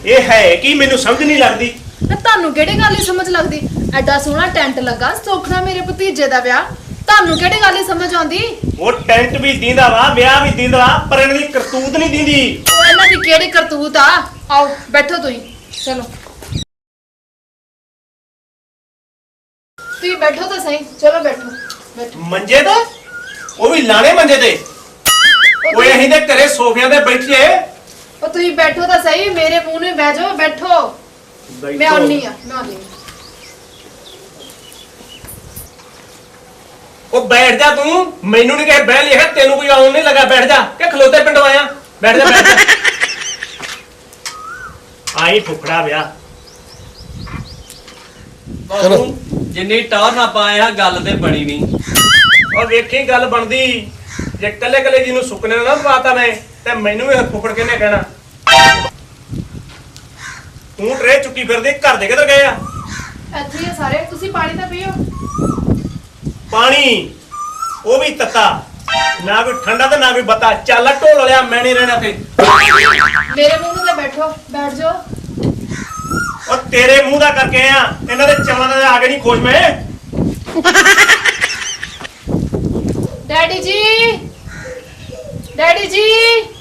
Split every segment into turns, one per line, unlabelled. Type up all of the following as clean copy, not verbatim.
ਇਹ ਹੈ ਕੀ ਮੈਨੂੰ ਸਮਝ ਨਹੀਂ ਲੱਗਦੀ।
ਨਾ ਤੁਹਾਨੂੰ ਕਿਹੜੀ ਗੱਲ ਹੀ ਸਮਝ ਲੱਗਦੀ? ਐਡਾ ਸੋਹਣਾ ਟੈਂਟ ਲੱਗਾ ਸੁਖਣਾ ਮੇਰੇ ਭਤੀਜੇ ਦਾ ਵਿਆਹ, ਤੁਹਾਨੂੰ ਕਿਹੜੀ ਗੱਲ ਹੀ ਸਮਝ ਆਉਂਦੀ?
ਉਹ ਟੈਂਟ ਵੀ ਦਿੰਦਾ ਵਾ, ਵਿਆਹ ਵੀ ਦਿੰਦਾ ਵਾ, ਪਰ ਇਹਨਾਂ ਦੀ ਕਰਤੂਤ ਨਹੀਂ ਦਿੰਦੀ।
ਉਹ ਇਹਨਾਂ ਦੀ ਕਿਹੜੀ ਕਰਤੂਤ ਆ? ਆਓ ਬੈਠੋ ਤੁਸੀਂ, ਚਲੋ ਤੁਸੀਂ ਬੈਠੋ ਤਾਂ ਸਹੀ, ਚਲੋ ਬੈਠੋ ਬੈਠੋ।
ਮੰਜੇ ਤੇ ਉਹ ਵੀ ਲਾਣੇ ਮੰਜੇ ਤੇ, ਓਏ ਅਸੀਂ ਤੇ ਘਰੇ ਸੋਫਿਆਂ ਤੇ ਬੈਠੀਏ।
ਉਹ ਤੁਸੀਂ ਬੈਠੋ ਤਾਂ ਸਹੀ, ਮੇਰੇ ਮੂੰਹ ਨੂੰ ਬਹਿ ਜਾਓ, ਬੈਠੋ। ਮੈਂ ਆਉਣੀ ਆ, ਮੈਂ ਆਉਣੀ।
ਉਹ ਬੈਠ ਜਾ ਤੂੰ, ਮੈਨੂੰ ਨਹੀਂ ਕਹੇ ਬਹਿ ਲਿਆ, ਤੈਨੂੰ ਕੋਈ ਆਉਣ ਨਹੀਂ ਲੱਗਾ। ਬੈਠ ਜਾ ਕਿ ਖਲੋਤੇ ਪਿੰਡੋਂ ਆਇਆ? ਬੈਠ ਜਾ ਬੈਠ ਜਾ। ਆਈ ਫੁਕੜਾ ਵਿਆਹ।
ਚਲੋ ਜਿੰਨੀ ਟੌਰ ਨਾ ਪਾਇਆ ਗੱਲ ਤੇ ਬਣੀ ਨਹੀਂ।
ਉਹ ਵੇਖੀ ਗੱਲ ਬਣਦੀ ਜੇ ਕੱਲੇ ਕੱਲੇ ਜਿਹਨੂੰ ਸੁੱਕਨੇ ਨਾ ਪਵਾਤਾ ਮੈਂ ਤੇ ਮੈਨੂੰ ਵੀ ਫੁੱਫੜ ਕਿਹਨੇ ਕਹਿਣਾ। ਤੂੰ ਟਰੇ ਚੁੱਕੀ ਫਿਰਦੀ, ਘਰ ਦੇ ਕਿੱਧਰ ਗਏ ਆ?
ਇੱਥੇ ਹੀ ਆ ਸਾਰੇ, ਤੁਸੀਂ ਪਾਣੀ ਤਾਂ ਪੀਓ।
ਪਾਣੀ ਉਹ ਵੀ ਤੱਤਾ, ਨਾ ਕੋਈ ਠੰਡਾ ਤੇ ਨਾ ਕੋਈ ਬੱਤਾ। ਚੱਲ ਢੋਲ ਲਿਆ, ਮੈਂ ਨਹੀਂ ਰਹਿਣਾ ਤੇ।
ਮੇਰੇ ਮੂੰਹ ਨੂੰ ਤਾਂ ਬੈਠੋ, ਬੈਠ ਜਾਓ।
ਉਹ ਤੇਰੇ ਮੂੰਹ ਦਾ ਕਰਕੇ ਆ, ਇਹਨਾਂ ਦੇ ਚਵਲਾਂ ਦਾ ਆ ਕੇ ਨਹੀਂ ਖੁਸ਼ ਮੈਂ।
ਡੈਡੀ ਜੀ, ਡੈਡੀ ਜੀ।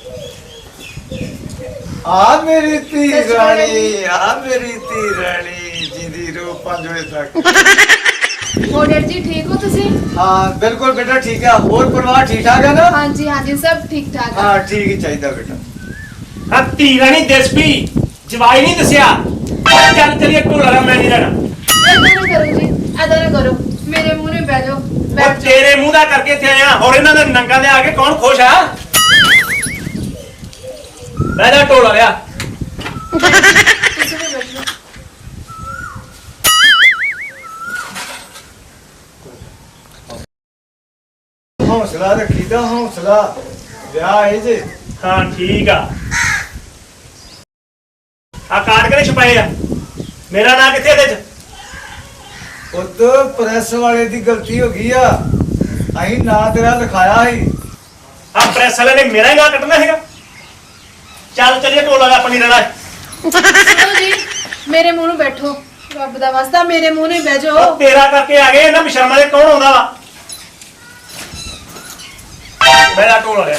ਆ ਮੇਰੀ ਧੀ ਰਾਣੀ, ਆ ਮੇਰੀ ਧੀ ਰਾਣੀ, ਜਿੰਦੀ ਰੋ 5 ਵਜੇ ਤੱਕ।
ਹੋਰ ਡੈਡੀ ਜੀ ਠੀਕ ਹੋ ਤੁਸੀਂ?
ਹਾਂ ਬਿਲਕੁਲ ਬੇਟਾ ਠੀਕ ਹੈ। ਹੋਰ ਪਰਿਵਾਰ ਠੀਕ ਠਾਕ ਹੈ ਨਾ?
ਹਾਂਜੀ ਹਾਂਜੀ ਸਭ ਠੀਕ ਠਾਕ ਆ।
ਹਾਂ ਠੀਕ ਹੀ ਚਾਹੀਦਾ ਬੇਟਾ।
ਹਾਂ ਧੀ ਰਾਣੀ ਦੇਸਪੀ ਜਵਾਈ ਨਹੀਂ ਦੱਸਿਆ। ਚੱਲ ਚਲੀਏ ਢੋਲ ਵਾਲਾ, ਮੈਂ ਨਹੀਂ ਰਹਿਣਾ।
ਏਦਾਂ ਨਾ ਕਰੋ ਜੀ, ਏਦਾਂ ਨਾ ਕਰੋ, ਮੇਰੇ ਮੂੰਹ ਨੂੰ ਬਹਿ ਜਾਓ,
ਉਹ
ਬੈਠ ਜਾਓ।
ਤੇਰੇ ਮੂੰਹ ਦਾ ਕਰਕੇ ਇੱਥੇ ਆਇਆ, ਹੋਰ ਇਹਨਾਂ ਦੇ ਨੰਗਾ ਦੇ ਆ ਕੇ ਕੌਣ ਖੁਸ਼ ਆ? ਬਹਿ ਜਾ ਢੋਲ ਵਾਲਿਆ।
ਤੁਸੀਂ ਵੀ ਬੈਠੋ।
ਹੌਸਲਾ ਰੱਖੀਦਾ, ਹੌਸਲਾ। ਵਿਆਹ ਹੈ ਜੇ।
ਹਾਂ ਠੀਕ ਆ। ਆ ਕਾਰਡ ਕਿਹਨੇ ਛਪਾਏ ਆ? ਮੇਰਾ ਨਾਂ ਕਿੱਥੇ ਇਹਦੇ ਚ?
ਉਦੋਂ ਪ੍ਰੈਸ ਵਾਲੇ ਦੀ ਗਲਤੀ ਹੋ ਗਈ ਆ, ਅਸੀਂ ਨਾਂ ਤੇਰਾ ਲਿਖਾਇਆ ਸੀ।
ਆ ਪ੍ਰੈਸ ਵਾਲੇ ਨੇ ਮੇਰਾ ਹੀ ਨਾਂ ਕੱਟਣਾ ਹੈਗਾ। ਚੱਲ ਚਲੀਏ ਢੋਲ ਵਾਲਾ, ਆਪਣੀ ਰਹਿਣਾ।
ਸੁਣੋ ਜੀ, ਮੇਰੇ ਮੂੰਹ ਨੂੰ ਬੈਠੋ, ਰੱਬ ਦਾ ਵਾਸਤਾ ਮੇਰੇ ਮੂੰਹ ਨੂੰ ਹੀ ਬਹਿ ਜਾਓ।
ਉਹ ਤੇਰਾ ਕਰਕੇ ਆ ਗਏ ਇਹਨਾਂ ਬਿਸ਼ਰਮਾਂ ਦੇ, ਕੌਣ ਆਉਂਦਾ ਵਾ? ਮੇਰਾ ਢੋਲ ਵਾਲਿਆ।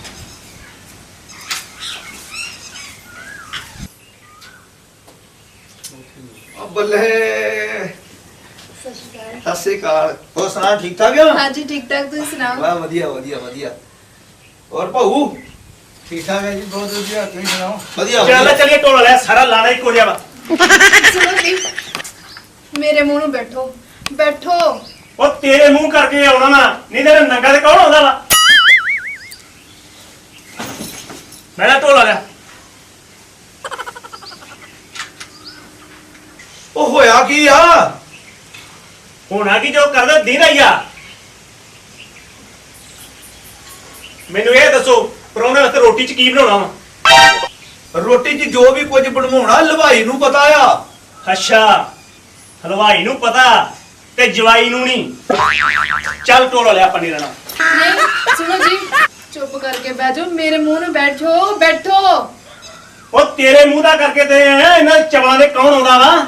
ਬੱਲੇ
ਸਤਿ ਸ਼੍ਰੀ ਅਕਾਲ।
ਸਤਿ ਸ੍ਰੀ ਅਕਾਲ। ਹੋਰ ਸੁਣਾ ਠੀਕ ਠਾਕ ਆ?
ਹਾਂਜੀ ਠੀਕ ਠਾਕ, ਤੁਸੀਂ ਸੁਣਾਓ?
ਵਾਹ ਵਧੀਆ ਵਧੀਆ ਵਧੀਆ। ਹੋਰ ਭਾਊ ਠੀਕ ਠਾਕ ਹੈ ਜੀ? ਬਹੁਤ ਵਧੀਆ। ਤੁਸੀਂ ਸੁਣਾਓ? ਵਧੀਆ
ਚੱਲ
ਵਧੀਆ।
ਚਲੀਏ ਢੋਲ ਵਾਲਿਆ, ਸਾਰਾ ਲਾਣਾ ਇੱਕੋ ਜਿਹਾ ਵਾ।
ਸੁਣੋ ਜੀ, ਮੇਰੇ ਮੂੰਹ ਨੂੰ ਬੈਠੋ, ਬੈਠੋ।
ਉਹ ਤੇਰੇ ਮੂੰਹ ਕਰਕੇ ਆਉਣਾ ਨਾ, ਨਹੀਂ ਤੇਰੇ ਨੰਗਾ ਤੇ ਕੌਣ ਆਉਂਦਾ ਵਾ? ਮੇਰਾ ਢੋਲ ਵਾਲਿਆ।
ਉਹ ਹੋਇਆ ਕੀ ਆ?
ਹੋਣਾ ਕੀ, ਜੋ ਕਰਦਾ ਦਿਨ ਆਈ ਆ। ਮੈਨੂੰ ਇਹ ਦੱਸੋ, ਪਰੌਣੇ ਵਾਸਤੇ ਰੋਟੀ ਚ ਕੀ ਬਣਾਉਣਾ ਵਾ?
ਰੋਟੀ 'ਚ ਜੋ ਵੀ ਕੁਝ ਬਣਵਾਉਣਾ ਹਲਵਾਈ ਨੂੰ ਪਤਾ ਆ।
ਅੱਛਾ, ਹਲਵਾਈ ਨੂੰ ਪਤਾ ਤੇ ਜਵਾਈ ਨੂੰ ਨਹੀਂ। ਚੱਲ ਢੋਲ ਵਾਲਿਆ, ਆਪਾਂ ਨਹੀਂ ਰਹਿਣਾ।
ਨਹੀਂ ਸੁਣੋ ਜੀ, ਚੁੱਪ ਕਰਕੇ ਬਹਿ ਜਾਓ, ਮੇਰੇ ਮੂੰਹ ਨੂੰ ਬੈਠੋ, ਬੈਠੋ।
ਉਹ ਤੇਰੇ ਮੂੰਹ ਦਾ ਕਰਕੇ ਤੇ ਇਹਨਾਂ ਚਵਲਾਂ ਦੇ ਕੌਣ ਆਉਂਦਾ ਵਾ?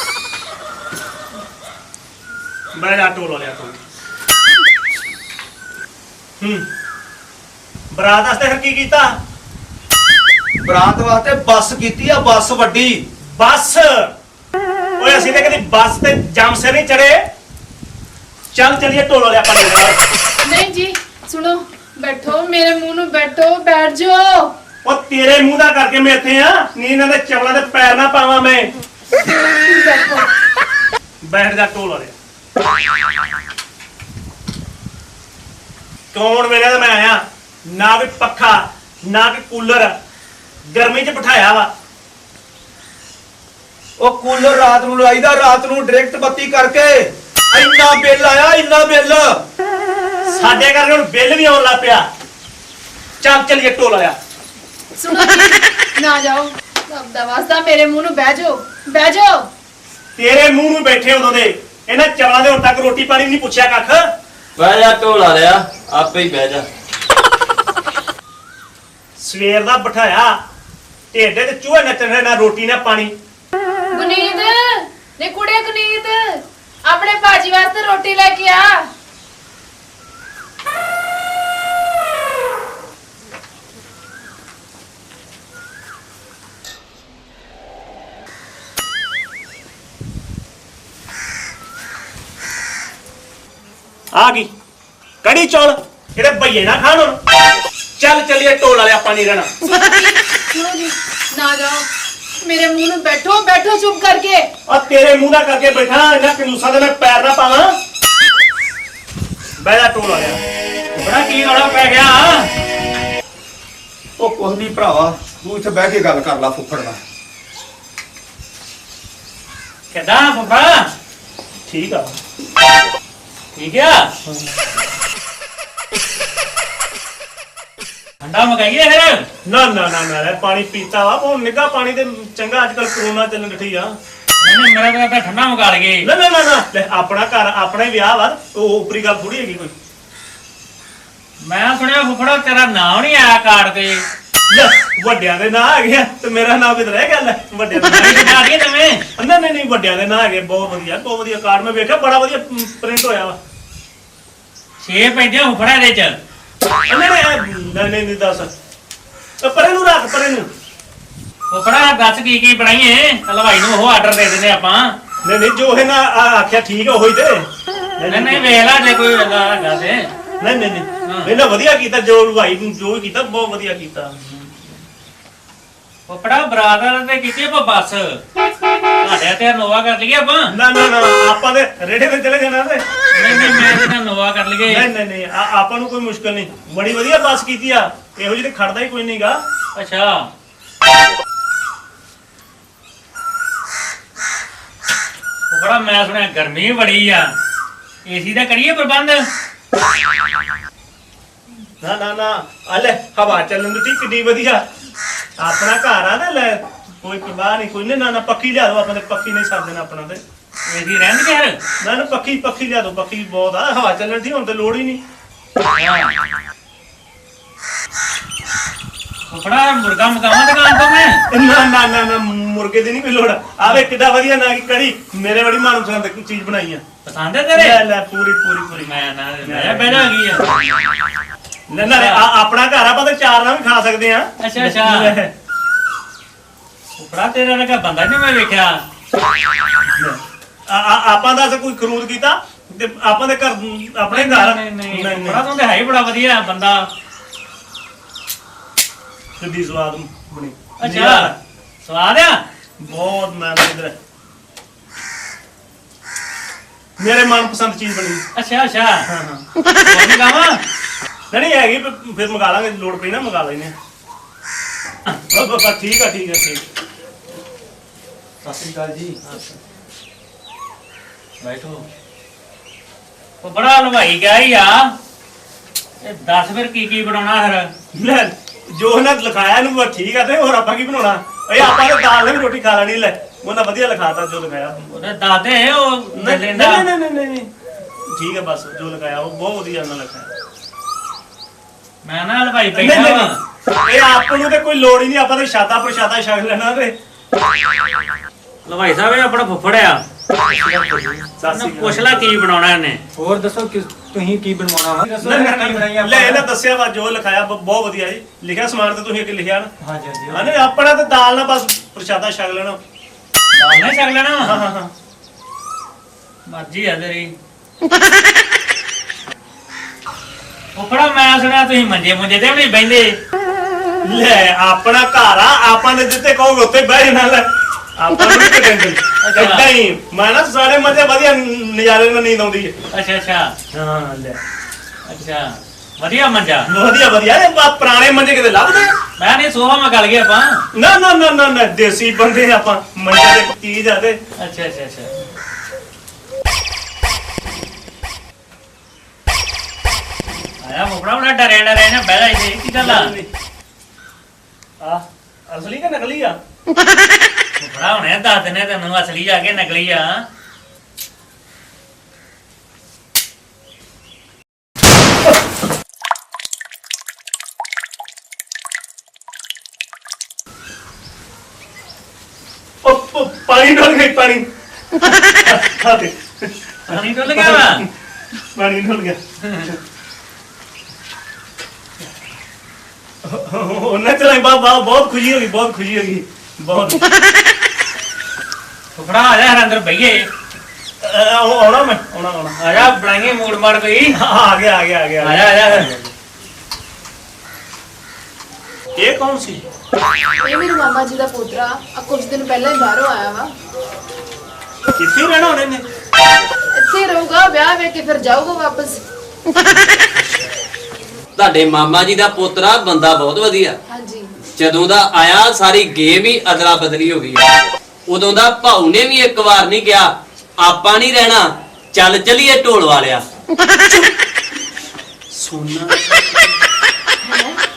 ਮੈਂ ਜਾ ਢੋਲ ਵਾਲਿਆ ਤੂੰ। ਬਰਾਤ ਵਾਸਤੇ ਫਿਰ ਕੀ ਕੀਤਾ?
ਬਰਾਤ ਵਾਸਤੇ ਬੱਸ ਕੀਤੀ ਆ, ਬੱਸ ਵੱਡੀ।
ਬੱਸ? ਓਏ ਅਸੀਂ ਤੇ ਕਦੀ ਬੱਸ ਤੇ ਜੰਮ ਸਿਰ ਨਹੀਂ ਚੜੇ। ਚੱਲ ਚਲੀਏ ਢੋਲ ਵਾਲਿਆ, ਆਪਾਂ ਨਹੀਂ ਰਹਿਣਾ।
ਨਹੀਂ ਜੀ ਸੁਣੋ, ਬੈਠੋ, ਮੇਰੇ ਮੂੰਹ ਨੂੰ ਬੈਠੋ, ਬੈਠ ਜਾਓ।
ਉਹ ਤੇਰੇ ਮੂੰਹ ਦਾ ਕਰਕੇ ਮੈਂ ਇੱਥੇ ਆ, ਨਹੀਂ ਇਹਨਾਂ ਦੇ ਚਵਲਾਂ ਦੇ ਪੈਰ ਨਾ ਪਾਵਾਂ ਮੈਂ।
ਬੈਠੋ।
ਬੈਠ ਜਾ ਢੋਲ ਵਾਲਿਆ। ਕੌਣ ਵੇਲੇ ਦਾ ਮੈਂ ਆਇਆ, ਨਾ ਕੋਈ ਪੱਖਾ ਨਾ ਕੋਈ ਕੂਲਰ, ਗਰਮੀ 'ਚ ਬਿਠਾਇਆ ਵਾ।
ਉਹ ਕੂਲਰ ਰਾਤ ਨੂੰ ਲਾਈਦਾ, ਰਾਤ ਨੂੰ ਡਾਇਰੈਕਟ ਬੱਤੀ ਕਰਕੇ। ਇੰਨਾ ਬਿੱਲ ਆਇਆ, ਇੰਨਾ ਬਿੱਲ।
ਸਾਡੇ ਕਰਕੇ ਹੁਣ ਬਿੱਲ ਵੀ ਆਉਣ ਲੱਗ ਪਿਆ। ਚੱਲ ਚਲੀਏ ਢੋਲ ਵਾਲਿਆ।
ਸੁਣੋ ਜੀ, ਨਾ ਜਾਓ, ਰੱਬ ਦਾ ਵਾਸਤਾ ਮੇਰੇ ਮੂੰਹ ਨੂੰ ਬਹਿ ਜਾਓ, ਬਹਿ ਜਾਓ।
ਤੇਰੇ ਮੂੰਹ ਨੂੰ ਬੈਠੇ ਉਦੋਂ ਦੇ, ਇਹਨਾਂ ਚਵਲਾਂ ਦੇ ਹੁਣ ਤੱਕ ਰੋਟੀ ਪਾਣੀ ਨਹੀਂ ਪੁੱਛਿਆ ਕੱਖ।
ਬਹਿ ਜਾ ਢੋਲ ਆ ਲਿਆ, ਆਪੇ ਹੀ ਬਹਿ ਜਾ।
ਸਵੇਰ ਦਾ ਬਿਠਾਇਆ ਢਿੱਡ ਤੇ ਚੂਹੇ ਨੱਚਣ ਨਾ ਰੋਟੀ ਨਾ ਪਾਣੀ।
ਗੁਨੀਤ ਨੇ ਕੁੜੇ ਗੁਨੀਤ ਆਪਣੇ ਭਾਜੀ ਵਾਸਤੇ ਰੋਟੀ ਲੈ ਕੇ ਆ।
ਆ ਗਈ ਕੜੀ ਚੌਲ, ਇਹਦੇ ਭਈਏ ਨਾ ਖਾਣ ਹੁਣ। ਚੱਲ ਚੱਲੀਏ, ਢੋਲ ਵਾਲੇ ਆਪਾਂ ਨਹੀਂ ਰਹਿਣਾ।
ਸੁਣੋ ਜੀ, ਨਾ ਜਾਓ, ਮੇਰੇ ਮੂੰਹ ਨੂੰ ਬੈਠੋ ਬੈਠੋ ਚੁੱਪ ਕਰਕੇ।
ਆ ਤੇਰੇ ਮੂੰਹ ਨਾਲ ਕਰਕੇ ਬੈਠਾ, ਇਹਨਾਂ ਕਨੂਸਾਂ ਦੇ ਮੈਂ ਪੈਰ ਨਾ ਪਾਵਾਂ। ਬਹਿ ਜਾ ਢੋਲ ਵਾਲਿਆ।
ਬੜਾ ਕੀ ਰੌਲਾ ਪੈ ਗਿਆ?
ਉਹ ਕੁਝ ਨਹੀਂ ਭਰਾਵਾ, ਤੂੰ ਇੱਥੇ ਬਹਿ ਕੇ ਗੱਲ ਕਰ ਲੈ ਫੁੱਫੜ ਨਾਲ।
ਕਿੱਦਾਂ ਫੁੱਫੜਾ?
ਠੀਕ ਆ।
ਠੀਕ ਆ। ਠੰਡਾ ਮਗਾਈਏ ਫਿਰ।
ਨਾ ਨਾ ਨਾ ਨਾ ਪਾਣੀ ਪੀਤਾ ਵਾ, ਉਹ ਨਿੱਘਾ ਪਾਣੀ ਤੇ ਚੰਗਾ। ਅੱਜ ਕੱਲ ਕਰੋਨਾ ਚੱਲਣ ਡਠੀ ਆ।
ਨਹੀਂ ਮੇਰਾ ਤਾਂ ਠੰਡਾ ਮਗਾ ਲਗੇ।
ਨਾ ਨਾ ਨਾ ਨਾ ਲੈ, ਆਪਣਾ ਘਰ ਆਪਣਾ ਹੀ ਵਿਆਹ ਵਾ, ਉਹ ਉਪਰੀ ਗੱਲ ਥੋੜੀ ਹੈਗੀ ਕੋਈ।
ਮੈਂ ਸੁਣਿਆ ਫੁੱਫੜਾ ਤੇਰਾ ਨਾਮ ਨਹੀਂ ਆਇਆ ਕਾਰਡ ਤੇ।
ਲੈ, ਵੱਡਿਆਂ ਦੇ ਨਾਂ ਹੈਗੇ ਆ ਤੇ ਮੇਰਾ ਨਾਮ ਕਿਧਰ ਰਹਿ ਗਿਆ? ਲੈ, ਵੱਡਿਆਂ ਦੇ ਨਾਂ
ਨਹੀਂ ਬਣਾ ਦਈਏ ਤਵੇਂ।
ਨਹੀਂ ਨਹੀਂ ਨਹੀਂ, ਵੱਡਿਆਂ ਦੇ ਨਾਂ ਹੈਗੇ। ਬਹੁਤ ਵਧੀਆ, ਬਹੁਤ ਵਧੀਆ ਕਾਰਡ ਮੈਂ ਵੇਖਿਆ, ਬੜਾ ਵਧੀਆ ਪ੍ਰਿੰਟ ਹੋਇਆ ਵਾ।
6 ਪੈਂਦੇ ਫੁੱਫੜਾ ਇਹਦੇ ਚ।
ਨਹੀਂ ਨਹੀਂ ਨਹੀਂ ਦੱਸ, ਪਰੇ ਨੂੰ ਰੱਖ, ਪਰੇ ਨੂੰ।
ਫੁੱਫੜਾ ਦੱਸ ਕੀ ਕੀ ਬਣਾਈਏ, ਹਲਵਾਈ ਨੂੰ ਉਹ ਆਰਡਰ ਦੇ ਦਿੰਦੇ ਆਪਾਂ।
ਨਹੀਂ ਨਹੀਂ, ਜੋ ਇਹ ਨਾ ਆਖਿਆ ਠੀਕ ਆ, ਉਹੀ ਤੇ।
ਨਹੀਂ ਨਹੀਂ ਵੇਖ ਲੈ ਜੇ ਕੋਈ ਹੈਗਾ ਤੇ।
ਨਹੀਂ ਨਹੀਂ ਨਹੀਂ, ਇਹਨਾਂ ਵਧੀਆ ਕੀਤਾ, ਜੋ ਭਾਈ ਜੋ ਵੀ ਕੀਤਾ ਬਹੁਤ ਵਧੀਆ ਕੀਤਾ।
ਫੁੱਫੜਾ ਬਰਾਦਰ ਤੇ ਕੀਤੀ ਆਪਾਂ ਬੱਸ, ਤੁਹਾਡੇ ਤੇ ਨੋਵਾ ਕਰ ਲਈਏ ਆਪਾਂ।
ਨਾ ਨਾ ਨਾ, ਆਪਾਂ ਦੇ ਰੇੜੇ ਤੇ ਚਲੇ ਜਾਣਾ ਤੇ।
ਨਹੀਂ ਨਹੀਂ ਮੈਂ ਤੇ ਨੋਵਾ ਕਰ ਲਈਏ।
ਨਹੀਂ ਨਹੀਂ ਨਹੀਂ, ਆਪਾਂ ਨੂੰ ਕੋਈ ਮੁਸ਼ਕਲ ਨਹੀਂ, ਬੜੀ ਵਧੀਆ ਬੱਸ ਕੀਤੀ ਆ। ਇਹੋ ਜਿਹੇ ਖੜਦਾ ਹੀ ਕੋਈ ਨਹੀਂਗਾ।
ਅੱਛਾ ਫੁੱਫੜਾ ਮੈਂ ਸੁਣਿਆ ਗਰਮੀ ਬੜੀ ਆ, ਏਸੀ ਦਾ ਕਰੀਏ ਪ੍ਰਬੰਧ।
ਨਾ ਨਾ ਨਾ, ਆ ਲੈ ਹਵਾ ਚੱਲਣ ਦੀ ਕਿੰਨੀ ਵਧੀਆ। ਆਪਣਾ ਘਰ ਆ ਨਾ, ਲੈ ਕੋਈ ਪਰਵਾਹ ਨਹੀਂ, ਕੋਈ ਨਾ ਨਾ ਪੱਖੀ ਲਿਆ ਦੋ। ਆਪਾਂ ਤੇ ਪੱਖੀ ਨਹੀਂ ਛੱਡ ਦੇਣਾ ਆਪਣਾ ਤੇ।
ਏਸੀ ਰਹਿੰਦੇ ਯਾਰ।
ਨਾ ਨਾ ਪੱਖੀ ਲਿਆ ਦੋ, ਪੱਖੀ ਬਹੁਤ ਆ, ਹਵਾ ਚੱਲਣ ਦੀ ਹੁਣ ਤੇ ਲੋੜ ਹੀ ਨਹੀਂ।
ਫੁੱਫੜਾ ਮੁਰਗਾ ਮਕਾਵਾਂ ਦੁਕਾਨ ਤੋਂ ਮੈਂ।
ਨਾ ਨਾ ਨਾ ਨਾ, ਮੁਰਗੇ ਦੀ ਨਹੀਂ ਕੋਈ ਲੋੜ। ਆਵੇ ਕਿੱਡਾ ਵਧੀਆ ਨਾ ਕੀ ਕੜੀ, ਮੇਰੇ ਬੜੀ ਮਨਪਸੰਦ ਚੀਜ਼ ਬਣਾਈ ਆ।
ਪਸੰਦ ਹੈ ਤੇਰੇ?
ਲੈ ਲੈ, ਪੂਰੀ ਪੂਰੀ ਪੂਰੀ।
ਮੈਂ ਨਾ ਮੈਂ ਬਹਿਣਾ ਗਈ ਆ।
ਨਾ ਨਾ, ਆਪਣਾ ਘਰ ਆਪਾਂ ਤੇ ਚਾਰ ਨਾਲ ਵੀ ਖਾ ਸਕਦੇ ਆ।
ਅੱਛਾ ਅੱਛਾ ਫੁੱਫੜਾ ਤੇਰਾ ਲਗਾ ਬੰਦਾ ਨਹੀਂ ਮੈਂ ਵੇਖਿਆ।
ਆਪਾਂ ਦਾ ਕੋਈ ਖਰੂਦ ਕੀਤਾ ਤੇ ਆਪਾਂ ਦੇ ਘਰ, ਆਪਣੇ ਘਰ।
ਨਹੀਂ ਫੁੱਫੜਾ ਤੂੰ ਤੇ ਹੈ ਹੀ ਬੜਾ ਵਧੀਆ ਬੰਦਾ।
ਕਿੱਡੀ ਸਵਾਦ ਬਣੀ।
ਅੱਛਾ ਸਵਾਦ ਆ
ਬਹੁਤ। ਮੈਂ ਇਧਰ ਮੇਰੇ ਮਨਪਸੰਦ ਚੀਜ਼ ਬਣੀ।
ਅੱਛਾ ਅੱਛਾ
ਹਾਂ ਹਾਂ,
ਹੋਰ ਮਕਾਵਾਂ?
ਨਹੀਂ ਹੈਗੀ, ਫਿਰ ਮੰਗਾ ਲਾਂਗੇ, ਲੋੜ ਪਈ ਨਾ ਮੰਗਾ ਲੈਨੇ ਆ। ਬਸ ਠੀਕ ਆ ਠੀਕ ਆ ਠੀਕ।
ਸਤਿ ਸ਼੍ਰੀ ਅਕਾਲ ਜੀ।
ਬੈਠੋ। ਫੁੱਫੜਾ ਹਲਵਾਈ ਗਿਆ ਹੀ ਆ, ਇਹ ਦੱਸ ਫਿਰ ਕੀ ਕੀ ਬਣਾਉਣਾ ਫਿਰ।
ਲੈ, ਜੋ ਉਹਨਾਂ ਲਿਖਾਇਆ ਇਹਨੂੰ ਬਸ ਠੀਕ ਆ, ਤੇ ਹੋਰ ਆਪਾਂ ਕੀ ਬਣਾਉਣਾ? ਇਹ ਆਪਾਂ ਤਾਂ ਦਾਲ ਨਾਲ ਵੀ ਰੋਟੀ ਖਾ ਲੈਣੀ। ਲੈ, ਉਹਨਾਂ ਵਧੀਆ ਲਿਖਾਤਾ ਜੋ ਲਿਖਾਇਆ।
ਉਹਨੇ ਦੱਸ ਦੇ ਉਹ
ਨਹੀਂ
ਲੈਂਦਾ।
ਨਹੀਂ ਨਹੀਂ ਨਹੀਂ, ਠੀਕ ਹੈ, ਬਸ ਜੋ ਲਿਖਾਇਆ ਉਹ ਬਹੁਤ ਵਧੀਆ ਉਹਨਾਂ ਲਿਖਾਇਆ।
ਮੈਂ ਨਾ ਹਲਵਾਈ
ਨਹੀਂ
ਬੈਠਾ
ਨਹੀਂ
ਵਾ।
ਨਹੀਂ, ਇਹ ਆਪ ਨੂੰ ਤੇ ਕੋਈ ਲੋੜ ਹੀ ਨਹੀਂ, ਆਪਾਂ ਤਾਂ ਸ਼ਾਦਾ ਪ੍ਰਸ਼ਾਦਾ ਛਕ ਲੈਣਾ ਤੇ।
ਹਲਵਾਈ ਸਾਹਿਬ ਇਹ ਆਪਣਾ ਫੁੱਫੜ ਆ, ਉਹਨੂੰ ਪੁੱਛ ਲੈ ਕੀ ਬਣਾਉਣਾ ਇਹਨੇ।
ਹੋਰ ਦੱਸੋ ਕਿ ਤੁਸੀਂ ਕੀ ਬਣਵਾਉਣਾ ਵਾ? ਦੱਸੋ ਕੀ ਬਣਾਈ ਆਪਾਂ?
ਲੈ, ਇਹਨਾਂ ਦੱਸਿਆ ਵਾ ਜੋ ਲਿਖਾਇਆ ਬਹੁਤ ਵਧੀਆ ਜੀ। ਲਿਖਿਆ ਸਮਾਨ ਤੇ ਤੁਸੀਂ ਅੱਗੇ ਲਿਖਿਆ ਨਾ।
ਹਾਂਜੀ ਹਾਂਜੀ।
ਹਾਂ ਨਹੀਂ, ਆਪਣਾ ਤੇ ਦਾਲ ਨਾਲ ਬਸ ਪ੍ਰਸ਼ਾਦਾ ਛਕ ਲੈਣਾ।
ਦਾਲ ਨਹੀਂ ਛਕ ਲੈਣਾ?
ਹਾਂ ਹਾਂ ਹਾਂ,
ਮਰਜ਼ੀ ਆ ਤੇਰੀ। ਫੁੱਫੜਾ ਮੈਂ ਸੁਣਿਆ ਤੁਸੀਂ ਮੰਜੇ ਮੁੰਜੇ ਤੇ ਵੀ ਨਹੀਂ ਬਹਿੰਦੇ।
ਲੈ, ਆਪਣਾ ਘਰ ਆ, ਆਪਾਂ ਨੇ ਜਿੱਥੇ ਕਹੋਗੇ ਉੱਥੇ ਬਹਿ ਜਾਣਾ। ਲੈ, ਆਪਾਂ ਨੂੰ ਨਹੀਂ ਟੈਨਸ਼ਨ। ਏਦਾਂ ਹੀ ਮੈਂ ਨਾ ਸਾਰੇ ਮਜ਼ੇ ਵਧੀਆ ਨਜ਼ਾਰੇ ਨਾਲ ਨੀਂਦ ਆਉਂਦੀ ਹੈ।
ਅੱਛਾ ਅੱਛਾ
ਹਾਂ ਲੈ,
ਅੱਛਾ ਵਧੀਆ ਮੰਜਾ।
ਵਧੀਆ ਵਧੀਆ। ਇਹ ਪੁਰਾਣੇ ਮੰਜੇ ਕਿਤੇ ਲੱਭਦੇ?
ਮੈਂ ਨਹੀਂ ਸੋਫਾ ਮੈਂ ਗਲ ਗਿਆ ਆਪਾਂ।
ਨਾ ਨਾ ਨਾ ਨਾ ਨਾ, ਦੇਸੀ ਬੰਦੇ ਆਪਾਂ, ਮੰਜੇ ਦੇ ਚੀਜ਼ ਆ ਤੇ।
ਅੱਛਾ ਅੱਛਾ ਅੱਛਾ ਆਇਆ ਫੁੱਫੜਾ ਬੜਾ ਡਰਿਆ ਨਾ ਬਹਿ ਜਾ ਇੱਥੇ। ਕੀ ਗੱਲ ਆ?
ਆ ਅਸਲੀ ਕਿ ਨਕਲੀ ਆ?
ਫੁੱਫੜਾ ਹੁਣੇ ਦੱਸ ਦਿੰਦੇ ਤੈਨੂੰ ਅਸਲੀ ਆ ਕੇ ਨਕਲੀ ਆ।
ਪਾਣੀ ਡੋਲ ਗਈ ਪਾਣੀ ਖਾਤੇ
ਪਾਣੀ ਡੁੱਲ ਗਿਆ ਵਾ
ਪਾਣੀ ਡੋਲ ਗਿਆ ਉਹਨਾਂ ਚਲਾਈ ਬਾਬਾ ਬਹੁਤ ਖੁਸ਼ੀ ਹੋ ਗਈ ਬਹੁਤ
ਫੁੱਫੜਾ ਆ ਜਾ ਯਾਰ ਅੰਦਰ ਬਈਏ
ਆਉਣਾ ਮੈਂ ਆਉਣਾ
ਆ ਜਾ ਬਣਾਈਏ ਮੂਡ ਮਾਰ ਕੋਈ
ਆ ਗਿਆ
ਆ ਜਾ ਆ ਜਾ
ਇਹ ਕੌਣ ਸੀ
ਇਹ ਮੇਰੇ ਮਾਮਾ ਜੀ ਦਾ ਪੋਤਰਾ ਆ ਕੁਝ ਦਿਨ ਪਹਿਲਾਂ ਹੀ ਬਾਹਰੋਂ ਆਇਆ ਵਾ
ਕਿੱਥੇ ਰਹਿਣਾ ਉਹਨੇ ਨੇ
ਇੱਥੇ ਰਹੂਗਾ ਵਿਆਹ ਵੇਖ ਕੇ ਫਿਰ ਜਾਊਗਾ ਵਾਪਸ
ਤੁਹਾਡੇ ਮਾਮਾ ਜੀ ਦਾ ਪੋਤਰਾ ਬੰਦਾ ਬਹੁਤ ਵਧੀਆ।
ਹਾਂਜੀ
ਜਦੋਂ ਦਾ ਆਇਆ ਸਾਰੀ ਗੇਮ ਹੀ ਅਦਲਾ ਬਦਲੀ ਹੋ ਗਈ ਉਦੋਂ ਦਾ ਭਾਊ ਨੇ ਵੀ ਇੱਕ ਵਾਰ ਨਹੀਂ ਕਿਹਾ ਆਪਾਂ ਨਹੀਂ ਰਹਿਣਾ ਚੱਲ ਚਲੀਏ ਢੋਲ ਵਾਲਿਆ
ਸੋਨਾ
ਹੈ